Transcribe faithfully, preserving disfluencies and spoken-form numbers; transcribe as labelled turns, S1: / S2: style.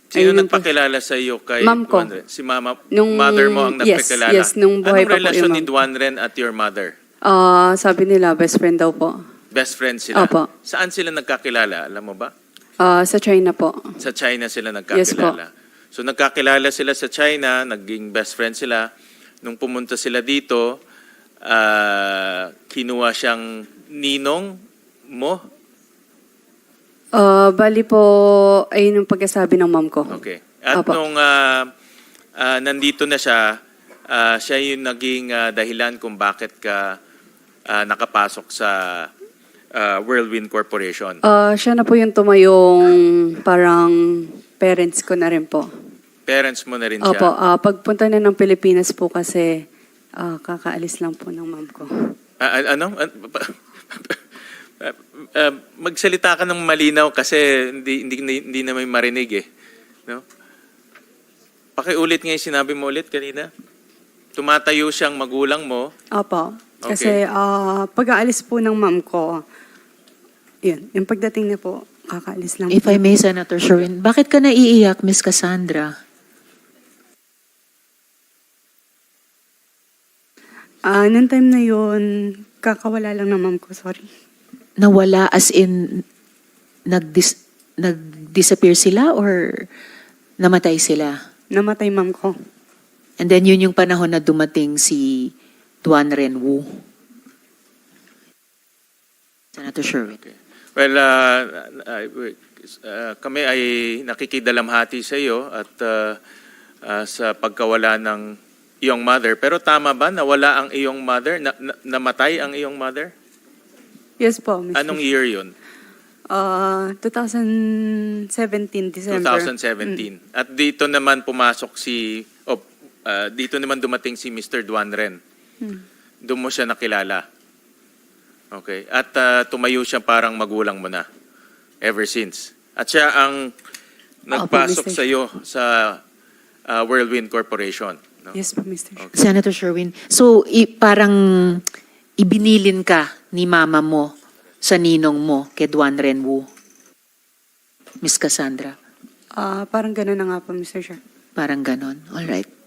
S1: Sino
S2: Ayun yung po.
S1: nagpakilala sa iyo kay
S2: Ma'am ko.
S1: Duanren? Si mama,
S2: Nung-
S1: mother mo ang
S2: yes,
S1: nagpakilala?
S2: yes, nung buhay
S1: Anong
S2: pa po
S1: relasyon
S2: yung
S1: ni
S2: ma'am.
S1: Duanren at your mother?
S2: Ah, sabi nila, best friend daw po.
S1: Best friends sila?
S2: Opo.
S1: Saan sila nagkakilala? Alam mo ba?
S2: Ah, sa China po.
S1: Sa China sila
S2: Yes po.
S1: nagkakilala. So nagkakilala sila sa China, naging best friend sila. Nung pumunta sila dito, ah, kinuha siyang ninong mo?
S2: Ah, bali po, ayun yung pagkasabi ng mom ko.
S1: Okay. At
S2: Opo.
S1: nung ah, ah, nandito na siya, ah, siya yung naging ah, dahilan kung bakit ka ah, nakapasok sa ah, Whirlwind Corporation.
S2: Ah, siya na po yung tumayong parang parents ko na rin po.
S1: Parents mo na rin siya.
S2: Opo, ah, pagpunta na ng Pilipinas po kasi ah, kakaalis lang po ng mom ko.
S1: Ah, ah, ano? Ah, ah, ah, magsalita ka ng malinaw kasi hindi hindi hindi na may marinig eh. No? Pakiulit nga yung sinabi mo ulit kanina. Tumatayo siyang magulang mo.
S2: Opo,
S1: Okay.
S2: kasi ah, pag-aalis po ng mom ko, yun, yung pagdating niya po, kakaalis lang
S3: If
S2: po.
S3: I may, Senator Sherwin, bakit ka naiiyak, Miss Cassandra?
S2: Ah, nung time na yun, kakawala lang ng mom ko, sorry.
S3: Nawala as in nag-dis nag-disappear sila or namatay sila?
S2: Namatay mom ko.
S3: And then yun yung panahon na dumating si Duanren Wu. Senator Sherwin.
S1: Okay. Well, uh, uh, uh, kami ay nakikidalamhati sa iyo at uh, uh, sa pagkawala ng iyong mother. Pero tama ba nawala ang iyong mother? Na, na, namatay ang iyong mother?
S2: Yes po, mister
S1: Anong year yun?
S2: Ah, twenty seventeen, December.
S1: twenty seventeen. At dito naman pumasok si, oh, uh, dito naman dumating si Mister Duanren.
S2: Hmm.
S1: Doon mo siya nakilala. Okay. At uh, tumayo siya parang magulang mo na ever since. At siya ang nagpasok
S2: Mister
S1: sa iyo sa uh, Whirlwind Corporation. No?
S2: Yes po, mister
S1: Okay.
S3: Senator Sherwin, so i- parang ibinilin ka ni mama mo sa ninong mo kay Duanren Wu, Miss Cassandra.
S2: Ah, parang gano'n na nga po, mister Chair.
S3: Parang ganon. All right.